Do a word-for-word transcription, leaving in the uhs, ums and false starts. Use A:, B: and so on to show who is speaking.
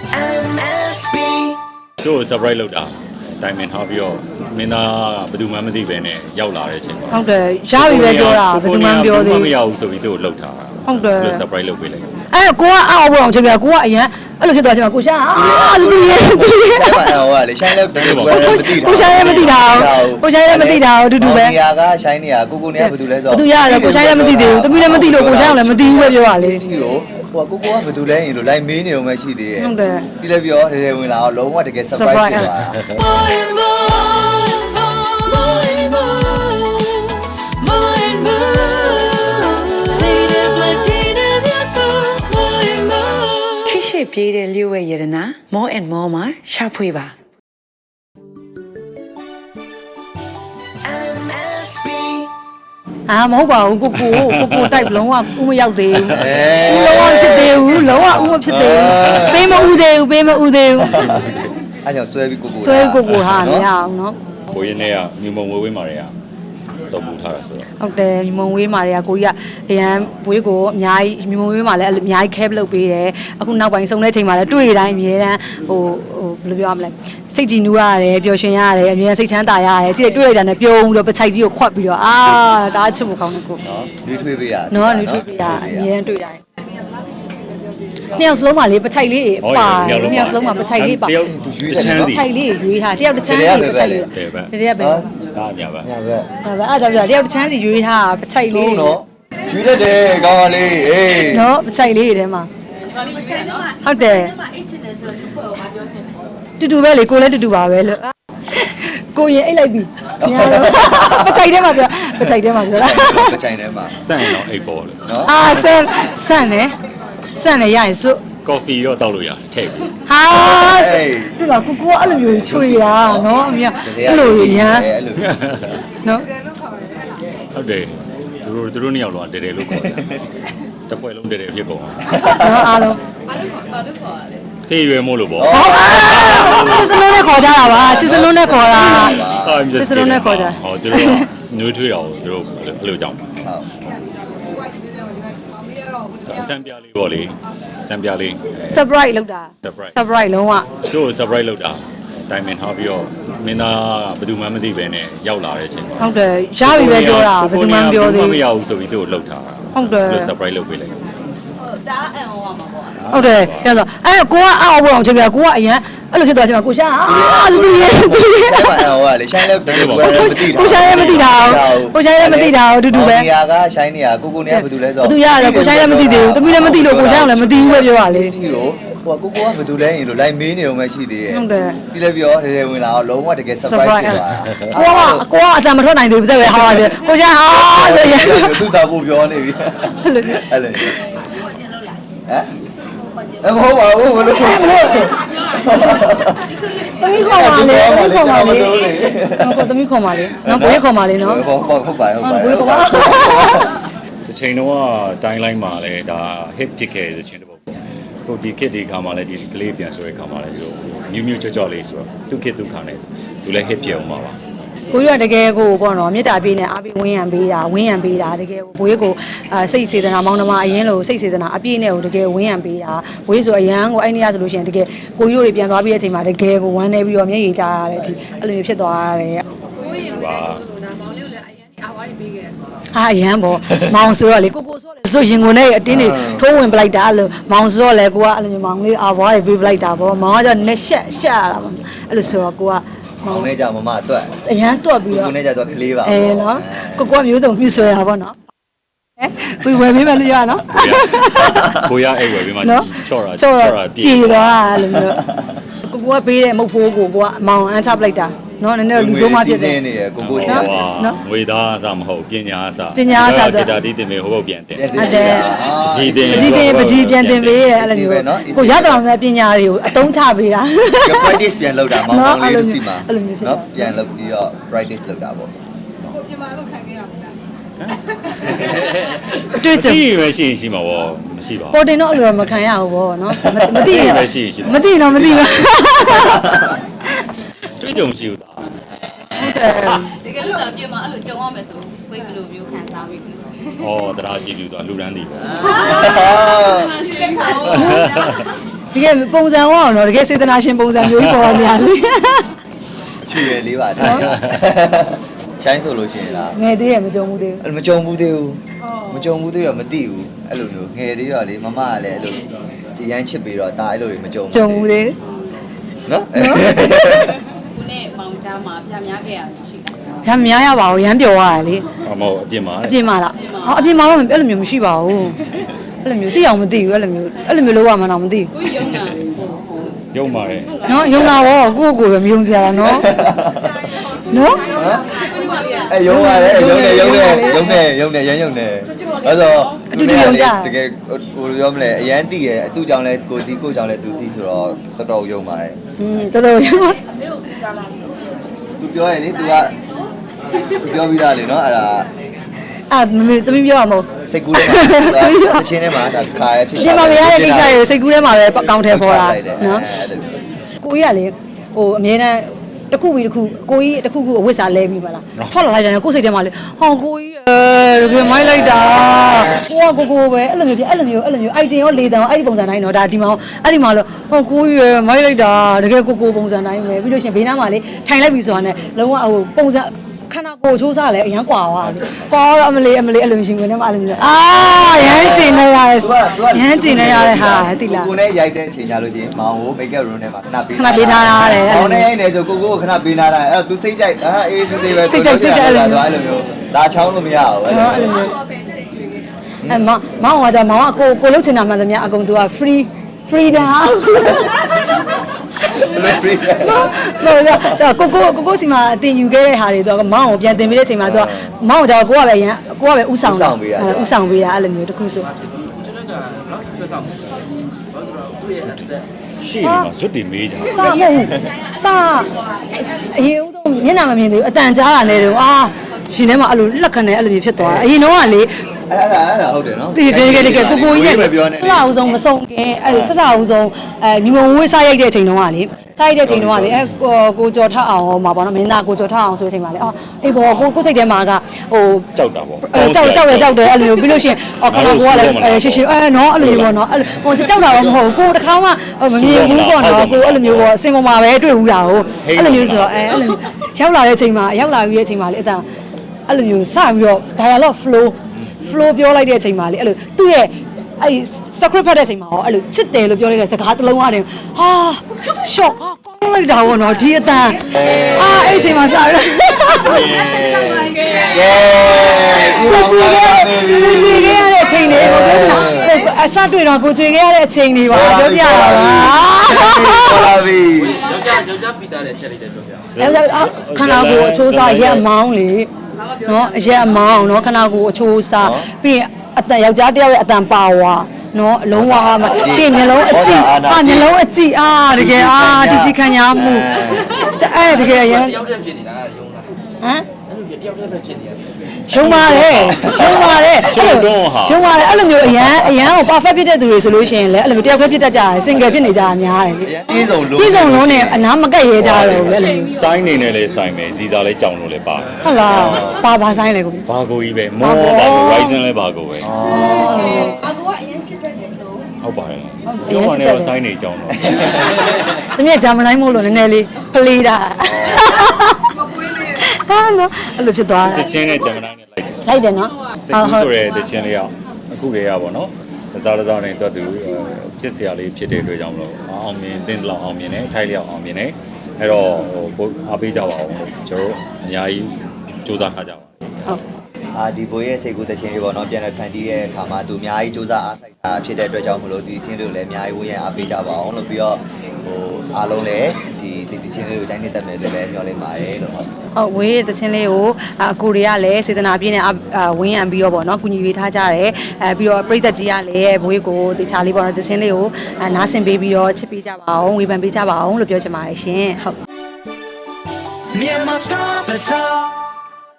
A: တို့ surprise လုပ်တာတိုင်မင်ထားပြီးတော့မင်းသားကဘယ်သူမှမသိပဲနဲ့ရောက်လာတဲ့အချိန်မှာ
B: ဟုတ်တယ်ရပြီပဲပြောတာဘယ်သူမှမပြောသေးဘူး
A: မရဘူးဆိုပြီးတို့လှုပ်ထားတာ
B: ဟုတ်တယ်
A: surprise လုပ်ပေးလိုက်
B: အဲ့ကိုကအောက်ဘောအောင်ချိန်ပြကိုကအရင်အဲ့လိုဖြစ်သွားချိန်မှာကိုရှာအာသူရဲ့သူရဲ့
C: အဲ့မှာဟိုကလေရှိုင်းလဲဘယ်လိုလဲမသိတာ
B: ကိုရှာလည်းမသိတာကိုရှာလည်းမသိတာအတူတူပဲ
C: နေရာကရှိုင်းနေရာကိုကိုနေကဘယ်သူလဲဆို
B: တော့သူရတယ်ကိုရှာလည်းမသိသေးဘူးတမီးလည်းမသိလို့ကိုရှာလည်းမသိဘူးပဲပြောရလေ
C: ဒီကိုဟိုကိုကိုကဘယ်သူလဲရင်လို့လိုက်မေးနေတော့မှရှိသေးရဲ့
B: ဟုတ်တယ်
C: ပြီးလည်းပြောတယ်တယ်ဝင်လာတော့လုံးဝတကယ် surprise ဖြစ်သွားတာ
D: ပြေးတဲ့လျှို့ဝဲရတနာ more and more မှာရှာဖွေပါ
B: အာမဟုတ်ပါဘူးကိုကိုကိုကိုတိုက်လုံးဝဥမရောက်သေးဘူးလုံးဝဖြစ်သေးဘူးလုံးဝဥမဖြစ်သေးဘူးပေးမဥသေးဘူးပေးမဥသေးဘူး
C: အဲ့ကြောင့်ဆွဲပြီးကိုကို
B: ဆွဲကိုကိုဟာမရအောင်နော်
A: ကိုရင်းနဲ့ကမြုံမုံဝေးဝေးမာတွေကစောပူထားတာဆိုတော့
B: ဟုတ်တယ်မြုံဝေးမာတွေကကိုကြီးကအရန်ဘွေးကိုအများကြီးမြုံဝေးမာလည်းအများကြီးခဲပလုပ်ပေးတယ်အခုနောက်ပိုင်းဆုံးတဲ့ချိန်မှာလည်းတွေ့တိုင်းအများတန်းဟိုဟိုဘယ်လိုပြောရမလဲစိတ်ကြည်နူးရတယ်ပျော်ရွှင်ရတယ်အများစိတ်ချမ်းသာရတယ်ကြည့်တွေ့လိုက်တာနဲ့ပြုံးပြီးတော့ပချိုက်ကြီးကိုခွတ်ပြီးတော့အာဒါအချစ်ဖို့ကောင်းတယ်ကို
C: နော်ရွေးထွေးပေးရ
B: နော်ရွေးထွေးပေးရအများတွေ့တိုင်းနှစ်ယောက်စလုံးမှာလေပချိုက်လေးပါနှစ်ယောက်စလုံးမှာပချိုက်လေးပါ
A: တယောက်တစ်ချမ်းစီ
B: ပချိုက်လေးရွေးထားတယောက်တစ်ချမ်းစီပချိုက်လေးတယောက်ပဲ
A: ဒါညာပဲ
C: ညာပဲ
B: ဒါပဲအဲ့ဒါပြောတယောက်တစ်ချမ်းစီရွေးထားပချိုက်လေး
C: နော်ရွေးတတ်တယ်ကောင်းပါလေအေး
B: နော်ပချိုက်လေးတွေထဲမှာဟုတ်တယ်တူတူပဲလေကိုလည်းတူတူပါပဲလို့ကိုရင်အိတ်လိုက်ပြီညာတော့ပချိုက်ထဲမှာပြောပချိုက်ထဲမှာပြောလား
C: ပချိုက်ထဲမှာ
A: စန့်တော့အိတ်ပေါ်လို့
B: နော်အာဆန်ဆန်နေဆန်နေရရင်စွ
A: ကော်ဖီတော့တောက်လို့ရထည့်ပြီး
B: ဟာတူပါကိုကိုအဲ့လိုမျိုးထွေတာနော်အမေအဲ့လိုရမ်းနော်
A: ဟုတ်တယ်သူတို့သူတို့နှစ်ယောက်လုံးတဲတဲလို့ခေါ်တယ်တစ်ပွဲလုံးတဲတဲဖြစ်ကုန်
B: နော်အားလုံး
E: ဘာလို့ခေါ်ဘာလို့ခေါ်ရလဲ
A: ဖေးရွယ်မို့လို့ပေါ့
B: ချစ်စလုံးနဲ့ခေါ်ကြတာပါချစ်စလုံးနဲ့ခေါ်တာချစ်စလုံးနဲ့ခေါ်ကြ
A: ဟောသူတို့နှွေးထွေးအောင်သူတို့ဘယ်လိုကြောင့်ဟုတ်စံပြလေးပေါ့လေစံပြလေး
B: surprise လုပ်တာ surprise လုံးဝ
A: တို့ surprise လုပ်တာတိုင်မင်ထားပြီးတော့မင်းသားကဘယ်သူမှမသိပဲနဲ့ရောက်လာတဲ့အချိန်မှာ
B: ဟုတ်တယ်ရပြီပဲပြောတာဘယ်သူမှမပြောသေးဘူး
A: မရဘူးဆိုပြီးတို့လှုပ်ထားတာ
B: ဟုတ်တယ်
A: surprise လုပ်ပေးလိုက်
E: ဟုတ်ဒါအန်ဟောမှာပေါ့
B: ဟုတ်တယ်ပြောတော့အဲ့ကိုကအောက်ဘောအောင်ချိန်ပြကိုကအရင်အဲ့လိုဖြစ်သွားချိန်မှာကိုရှာအာသူရဲ့သူရဲ့
C: အဲ့မှာဟိုကလေရှိုင်းလဲဘယ်လိုလဲမသိတာ
B: ကိုရှာလည်းမသိတာကိုရှာလည်းမသိတာအတူတူပဲ
C: နေရာကရှိုင်းနေရာကိုကိုနေကဘယ်သူလဲဆို
B: တော့သူရတယ်ကိုရှာလည်းမသိသေးဘူးတမီးလည်းမသိလို့ကိုရှာလည်းမသိဘူးပဲပြောရလေ
C: ဒီကိုဟိုကိုကိုကဘယ်သူလဲရင်လို့လိုက်မေးနေတော့မှရှိသေးရဲ့
B: ဟုတ်တယ်
C: ပြီးလည်းပြောတယ်တယ်ဝင်လာတော့လုံးဝတကယ် surprise ဖြစ်သွားတာ
B: ကိုကကိုကအတန်မထွက်နိုင်သေးဘူးစက်ပဲဟာပါတယ်ကိုရှာဟာဆိုရင်
C: သူစားဖို့ပြောနေပြီအဲ့လိုဟမ်အမဟုတ်ပါဘူးဘယ်လိုလဲ
B: သမီးခေါ်ပါလေသမီးခေါ်ပါလေဟုတ်သမီးခေါ်ပါလေနော်ဘွေးခေါ်ပါလေနော်
C: ဟုတ်ဟုတ်ဟုတ်ပါဟုတ်ပါ
B: ဘွေးခေါ်ပါ
A: တချိန်တော့တိုင်းလိုက်မှာလဲဒါ hit ဖြစ်ခဲ့တဲ့ချင်းတစ်ပုတ်ပေါ့ဟိုဒီ kit ဒီခါမှာလဲဒီကလေးပြန်ဆိုတဲ့ခါမှာလဲဒီလိုမြူးမြူးကြော့ကြော့လေးဆိုတော့သူ kit သူခါနေသူလဲ hit ဖြစ်အောင်ပါပါ
B: ကိုရတကယ်ကိုပေါ့နော်မြစ်တာပြေးနေအားပေးဝင်းရံပေးတာဝင်းရံပေးတာတကယ်ဘွေးကိုအာစိတ်စေတနာမောင်းနှမအရင်လို့စိတ်စေတနာအပြည့်နဲ့ကိုတကယ်ဝင်းရံပေးတာဘွေးဆိုအရန်ကိုအဲ့နေရဆိုလို့ရှိရင်တကယ်ကိုကြီးတို့တွေပြန်သွားပြီးတဲ့အချိန်မှာတကယ်ကိုဝမ်းနေပြီးတော့မျက်ရည်ကျရတယ်ဒီအဲ့လိုမျိုးဖြစ်သွားရတယ်
E: ကိုကြီးရေပါဒါမောင်လေးကိုလည်းအရင်အာဝါးတွေပေးခဲ့တယ်
B: ဟာအရန်ပေါ့မောင်ဆိုတော့လေကိုကိုဆိုတော့လေဆိုရင်ကိုနဲ့အတင်းတွေထိုးဝင်ပလိုက်တာအဲ့လိုမောင်ဆိုတော့လေကိုကအဲ့လိုမျိုးမောင်လေးအာဝါးတွေပေးပလိုက်တာပေါ့မောင်ကကျတော့နဲ့ရှက်ရှက်ရတာပေါ့အဲ့လိုဆိုတော့ကိုက
C: မောင်နဲ့ကြမမတွက်
B: အရန်တွက်ပြီးတော့
C: ကိုနဲ့ကြတော့ကလေးပါ
B: အဲနော်ကိုကိုကမျိုးစုံမြှဆွဲတာပေါ့နော်ဟဲ့ကိုဝယ်ပေးမယ်လို့ရနော်
A: ကိုရအဲ့ဝယ်ပေးမှချော့တာ
B: ချော့တာပြေသွားအဲ့လိုမျိုးကိုကိုကပေးတဲ့မုတ်ဖိုးကိုကိုကမောင်အန်းချပလိုက်တာနော်နည်းနည်းလူဆိုးမှဖြစ်တယ်
C: နေရကိုကို
A: နော်ငွေသားအစားမဟုတ်ပညာအစား
B: ပညာအစား
A: တော့ဒါတီးတင်မေဟိုဘုတ်ပြန်တင်
B: ဟုတ်တယ်
A: ပကြီးတင်
B: ပကြီးတင်ပကြီးပြန်တင်ပေးရဲ့အဲ့လိုမျိုးကိုရတော်တဲ့ပညာတွေကိုအသုံးချပေးတာ
C: practice ပြန်လုပ်တာမောင်မောင်လေးတို့စီမှာနော်ပြန်လုပ်ပြီးတော့ practice လုပ်တာပေါ့
E: ကိုပြင်မာလို့ခံခဲ့ရမှာ
B: အတွေ့အကြုံ
A: ဒီပဲရှိရှိမှာဗောမရှိပါဘူး
B: ပေါ်တင်တော့အဲ့လိုမခံရဘူးဗောနော်မသိ
A: ဘူးပဲရှိရှိ
B: မသိတော့မသိဘူး
A: တွေ့ကြုံရှိဦးတာ
B: ဟုတ်တယ်
E: တကယ်လို့ပြင်မာအဲ့လိုကြုံရမယ်ဆိုကိုယ်ဘယ်လိုမျိုးခံစားမိလဲ
A: ဩတရားကြည့်ပြီးတော့လူရန်တည်ပေါ့
E: ရှိတဲ့ခါ
B: ရကယ်ပုံစံဟောအောင်တော့တကယ်စေတနာရှင်ပုံစံမျိုးကြီးပေါ်များလေ
C: ချွေရလေးပါတယ်ရှိုင်းဆိုလို့ရှိရင်လား
B: ငယ်သေးရမကြုံဘူးသေးဘူး
C: မကြုံဘူးသေးဘူးမကြုံဘူးသေးတော့မသိဘူးအဲ့လိုမျိုးငယ်သေးတော့လေမမကလည်းအဲ့လိုကြည်ရန်ချစ်ပြီးတော့ဒါအဲ့လိုတွေမကြုံ
B: ကြုံဘူးသေး
C: နော်
E: ကိုနဲ့မောင်ကြားမှာပြများခဲ့ရရှိတယ်
B: ရမ်းမများရပါဘူးရမ်းပျော်ရတယ်လေ
A: အမောအပြင်မှာ
B: အပြင်မှာလားဟောအပြင်မှာတော့အဲ့လိုမျိုးမရှိပါဘူးအဲ့လိုမျိုးသိအောင်မသိဘူးအဲ့လိုမျိုးအဲ့လိုမျိုးလောက်ရမှတော့မသိဘူး
E: ကိုယုံတာဟို
A: ရုံပါတယ်
B: နော်ယုံလာရောကိုယ့်ကိုယ်ပဲမယုံစရာလားနော်နော်
C: အဲရုံရတယ်ရုံနေရုံနေရုံနေရုံနေရမ်းရုံနေအဲ့တော့တကယ်ဟိုလိုပြောမလဲအရန်သိရဲ့အတူကြောင့်လဲကိုတီကိုကြောင့်လဲသူသိဆိုတော့တော်တော်ရုံပါတယ်
B: อืมတော်တော်ယုံ
C: သူပြောရင်လေ तू ကသူပြောပြီးသားလေနော်အဲ့ဒါ
B: အာမမေသမီးပြောရမဟုတ်
C: စိတ်ကူးထဲမှာတချင်းထဲမှာဒါခါရဖြစ်
B: ရှင်မမရတဲ့ကိစ္စရေစိတ်ကူးထဲမှာပဲအကောင့်ထဲပေါ်တာနော်ကိုကြီးကလေဟိုအမြဲတမ်းတစ်ခုပြီးတစ်ခုကိုကြီးတစ်ခုခုအဝတ်စားလဲပြီးပါလားထွက်လာလိုက်တယ်ကိုယ်စိတ်ထဲမှာလေဟောကိုကြီးအဲတကယ်မိုက်လိုက်တာကိုကကိုကိုပဲအဲ့လိုမျိုးပြအဲ့လိုမျိုးအဲ့လိုမျိုးအိုက်တင်ရောလေတံရောအဲ့ဒီပုံစံတိုင်းတော့ဒါဒီမှာအဲ့ဒီမှာလို့ဟောကိုကြီးရမိုက်လိုက်တာတကယ်ကိုကိုပုံစံတိုင်းပဲပြီးလို့ရှင်ဘေးနားမှာလေထိုင်လိုက်ပြီဆိုတာနဲ့လုံးဝဟိုပုံစံခန္ဓာကိုယ်ချိုးစားလဲအရန်กว่าသွားတယ်။ကောတော့အမလေးအမလေးအလိုရှင်ဝင်နေမှာအလိုမျိုးအာရမ်းကျင်နေရတယ်ရမ်းကျင်နေရတဲ့ဟာတိလား
C: ကိုနဲ့ရိုက်တဲ့အချိန်ကြလို့ရှိရင်မောင်ကို make up room ထဲမှာခဏပေး
B: ခဏပေးထားရတယ်
C: မောင်နဲ့ရိုက်နေဆိုကိုကိုကိုခဏပေးထားတာအဲ့တော့ तू စိတ်ကြိုက်အာအေးစစ်စစ်ပဲသွားအဲ့လိုမျိုးဒါချောင်းလို့မရဘူးအဲ့လို
B: နော်အဲ့လိုမျိုးအဲမမောင်ကကြာမောင်ကကိုကိုလုတ်ချင်တာမှန်သမျှအကုန် तू က free freedom လို့တော့ကိုကိုကိုကိုစီမှာအတင်ယူခဲ့တဲ့ဟာတွေတော့မောင်ကိုပြန်တင်ပေးတဲ့အချိန်မှာသူကမောင်ကကြာကိုကပဲရန်ကိုကပဲဥဆောင်ဥဆောင်ပေးတာဥဆောင်ပေးတာအဲ့လိုမျိုးတခုဆို
A: ရှေ့မှာဇွတ်တင်မေးကြ
B: စမဟုတ်စအရင်ဦးဆုံးမျက်နှာမမြင်သေးဘူးအတန်ကြားတာနဲ့တော့အာရှင်ထဲမှာအဲ့လိုလက်ခံနေအဲ့လိုမျိုးဖြစ်သွားတာအရင်တော့ကလေ
C: အဲ့ဒါအဲ့ဒါဟုတ်တယ်နော်
B: တကယ်တကယ်တကယ်ကိုကိုကြီးနဲ့
C: ပြောနေ
B: ဆက်စာအုပ်ဆုံးမဆုံးခင်အဲဆက်စာအုပ်ဆုံးအဲညီမဝေးစားရိုက်တဲ့အချိန်တုန်းကလေစားရိုက်တဲ့အချိန်တုန်းကလေအဲကိုကျော်ထအောင်မှာပေါ့နော်မင်းသားကိုကျော်ထအောင်ဆိုတဲ့အချိန်မှာလေအော်အေးဘောကိုကိုစိတ်ထဲမှာကဟို
A: ကြောက်တာပေါ့
B: ကြောက်ကြောက်ရကြောက်တယ်အဲ့လိုမျိုးပြီးလို့ရှိရင်အော်ခဏကိုကလည်းအဲရှင်းရှင်းအဲနော်အဲ့လိုမျိုးပေါ့နော်အဲ့ဟိုကြောက်တာတော့မဟုတ်ဘူးကိုတခါမှမမြင်ဘူးပေါ့နော်ကိုအဲ့လိုမျိုးပေါ့အစင်ပေါ်မှာပဲတွေ့ဘူးတာကိုအဲ့လိုမျိုးဆိုတော့အဲအဲ့လိုရောက်လာတဲ့အချိန်မှာရောက်လာပြီးတဲ့အချိန်မှာလေအတန်အဲ့လိုမျိုးစပြီးတော့ dialogue flow flow ပြောလိုက်တဲ့အချိန်မှာလေအဲ့လိုသူ့ရဲ့အဲ့ script ဖတ်တဲ့အချိန်မှာရောအဲ့လိုချစ်တယ်လို့ပြောလိုက်တဲ့စကားတစ်လုံးအားတင်ဟာ shock ဟာကောင်းလိုက်တာဘောနော်ဒီအတန်အာအဲ့အချိန်မှာစရ
C: ယေ
B: ကိုကြည့်ခဲ့ကိုကြည့်ခဲ့ရတဲ့အချိန်လေးကိုပြောချင်တာအစတွေ့တော့ကိုကြည့်ခဲ့ရတဲ့အချိန်လေးပါပြောပြတာပါ
C: တော်လာပြီ
F: ယောက်ျားယောက်ျားပြီးသားတဲ့အချက်လေးတွေပြောပြ
B: အဲ့ခန္ဓာကိုယ်အချိုးစားရက်အမောင်းလေနော်အရက်အမောင်းနော်ခန္ဓာကိုယ်အချိုးစားပြီးရင်အတန်ယောက်ျားတယောက်ရဲ့အတန်ပါဝါနော်အလုံးဝဟာမှာပြီးမျက်လုံးအကြည့်အာမျက်လုံးအကြည့်အာတကယ်အာဒီကြည့်ခံရမှုအဲ့တကယ်ရန်
F: တယောက်တည်းဖြစ်နေတာယုံတာ
B: ဟမ်
F: အဲ့လိုတယောက်တည်းပဲဖြစ်နေရတယ်
B: ရုံပါတယ်ရုံပါတယ်
A: ကျုပ်တော့ဟာ
B: ရုံပါတယ်အဲ့လိုမျိုးအရန်အရန်ကို perfect ဖြစ်တဲ့သူတွေဆိုလို့ရှိရင်လည်းအဲ့လိုမျိုးတယောက်တည်းဖြစ်တတ်ကြတယ် single ဖြစ်နေကြတာများတယ်လေ
C: ပြေးစုံလို့
B: ပြည်စုံလုံးနဲ့အနားမကက်ရဲကြတော့ဘူးလေအဲ့လိုမျိုး
A: စိုင်းနေနဲ့လည်းစိုင်းမယ်ဇီစာလည်းကြောင်လို့လည်းပါတယ်
B: ဟုတ်လားပါပါဆိုင်လေကို
A: ဘာကိုကြီးပဲမောဘာကို Ryzen လည်းဘာကိုပဲ
G: အကူကအရင်ချစ်တတ်တယ်ဆို
A: ဟုတ်ပါတယ်ရောကနေတော့စိုင်းနေကြောင်တော့
B: တမီးဂျာမန်တိုင်းမို့လို့နည်းနည်းလေးဖလေးတာဟာလို့အဲ့လိုဖြစ်သွား
A: တ
B: တယ်
A: ချင်းနဲ့ဂျမ်မနိုင်းနဲ့လိုက်တယ်
B: လိုက်တယ်နော်
A: စိတ်ကူးဆိုတဲ့တချင်းလေးကအခုတည်းကပေါ့နော်တစားတစားနဲ့တွတ်သူချစ်စရာလေးဖြစ်တဲ့အတွက်ကြောင့်မလို့အောင်မြင်တင်းလောက်အောင်မြင်တယ်ထိုက်လျောက်အောင်မြင်တယ်အဲ့တော့ဟိုအားပေးကြပါအောင်လို့ကျွန်တော်အများကြီးစူးစမ်းထားကြပါ
B: ဟုတ်
C: အာဒီဘိုးရဲ့စိတ်ကူးတခြင်းလေးပေါ့နော်ပြန်လည်ဖန်တီးတဲ့အခါမှာသူအများကြီးစူးစမ်းအားစိုက်တာဖြစ်တဲ့အတွက်ကြောင့်မလို့ဒီချင်းလေးကိုလည်းအများကြီးဝန်းရံအားပေးကြပါအောင်လို့ပြီးတော့ဟိုအားလုံးလည်းဒီဒီချင်းလေးကိုတိုင်းနေတတ်မယ်လို့လည်းပြောလိုက်ပါတယ်လို့ဟုတ်
B: ဟုတ်ဝေးရဲ့တခြင်းလေးကိုအကိုတွေကလည်းစေတနာပြည့်နဲ့ဝင်းရံပြီးတော့ပေါ့နော်ကုညီပေးထားကြတယ်အဲပြီးတော့ပြည်သက်ကြီးကလည်းဘွေးကိုတခြားလေးပေါ့နော်တခြင်းလေးကိုနားဆင်ပေးပြီးတော့ချစ်ပေးကြပါအောင်ဝေဖန်ပေးကြပါအောင်လို့ပြောချင်ပါတယ်ရှင်ဟုတ်
F: Myanmar Star Bazaar